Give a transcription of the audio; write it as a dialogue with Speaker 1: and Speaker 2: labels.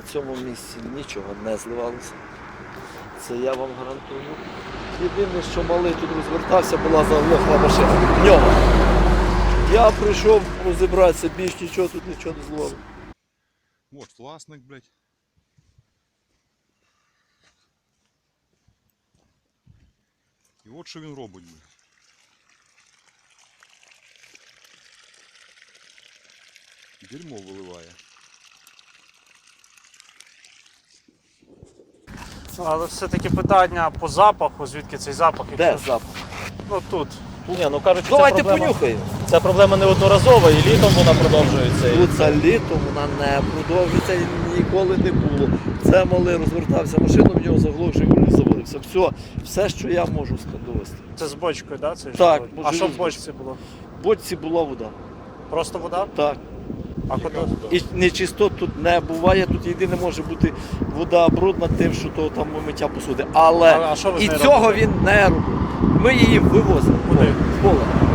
Speaker 1: цьому місці нічого не зливалося. Це я вам гарантую. Єдине, що малий тут розвертався, була заглохла машина. В нього. Я прийшов розібратися, більш нічого тут нічого не зливало.
Speaker 2: Вот власник, блядь. І от що він робить, блядь. Дерьмо виливає.
Speaker 3: Але все-таки питання по запаху, звідки цей запах?
Speaker 1: Де
Speaker 3: Якщо-
Speaker 1: запах?
Speaker 3: Ну тут.
Speaker 4: Ні, ну кажуть, що
Speaker 1: Давайте
Speaker 4: ця проблема,
Speaker 1: понюхаємо.
Speaker 4: ця проблема неодноразова і літом вона продовжується.
Speaker 1: Тут за літом вона не продовжиться і ніколи не було. Це малий розвертався машину, в нього заглох Жигуль заводився. Все, що я можу довести.
Speaker 3: Це з бочкою, да? Цей
Speaker 1: Так,
Speaker 3: Жигуль? А що в
Speaker 1: з
Speaker 3: бочці було?
Speaker 1: В бочці була вода.
Speaker 3: Просто вода?
Speaker 1: Так.
Speaker 3: А куди?
Speaker 1: І нечистот тут не буває, тут єдине може бути вода брудна тим, що то там миття посуди. Але
Speaker 3: А що ви з
Speaker 1: і
Speaker 3: нею
Speaker 1: цього
Speaker 3: робите?
Speaker 1: він не робив. Ми її вивозимо
Speaker 3: Куди?
Speaker 1: в поле.